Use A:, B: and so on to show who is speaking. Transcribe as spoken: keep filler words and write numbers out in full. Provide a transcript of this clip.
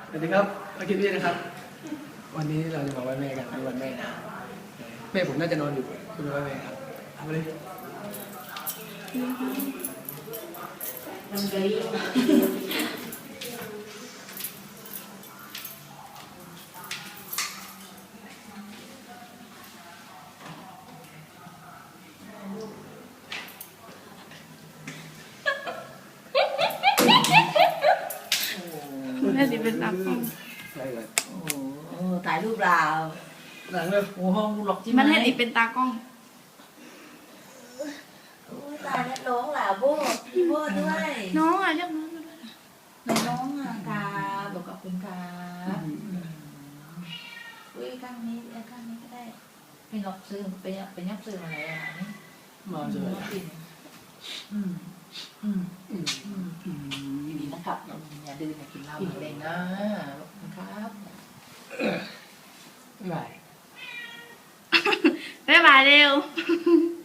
A: สวัสดีครับมาคิดพี่นะครับวันนี้เราจะมาไหว้แม่กันในวันแม่นะแม่ผมน่าจะนอนอยู่คุณไหว้แม่ครับเอาไปเลย
B: มันเกย
C: แม่สิเป็นตากล้อง
A: ได้เลย
B: โอ้โหถ่ายรูปเรา
A: หนังเลย
B: โอ้ห้องกูหลอกใช่ไหม
C: มันให้ดิเป็นตากล้อง
B: โอ้ตายแล้วน้องหล่ะโบ้พี่โบ้ด้วย
C: น้องอ่ะเรียกน้องมาด้วย
B: น้องอ่ะกาบอกกับคุณกาอุ้ยข้างนี้ข้างนี้ก็ได้เป็นหลอกซื้อเป็นเป็นยักษ์ซื้ออะไรอ่ะนี่
A: มาเจอ
B: อืมอืม
A: อืม
B: อืม
A: อืม
B: ดีนะครับอย่าดื้ออย่ากินเหล้าอย่าเล่นนะนะครับ
A: ไม่
C: บ๊ายบายเร็ว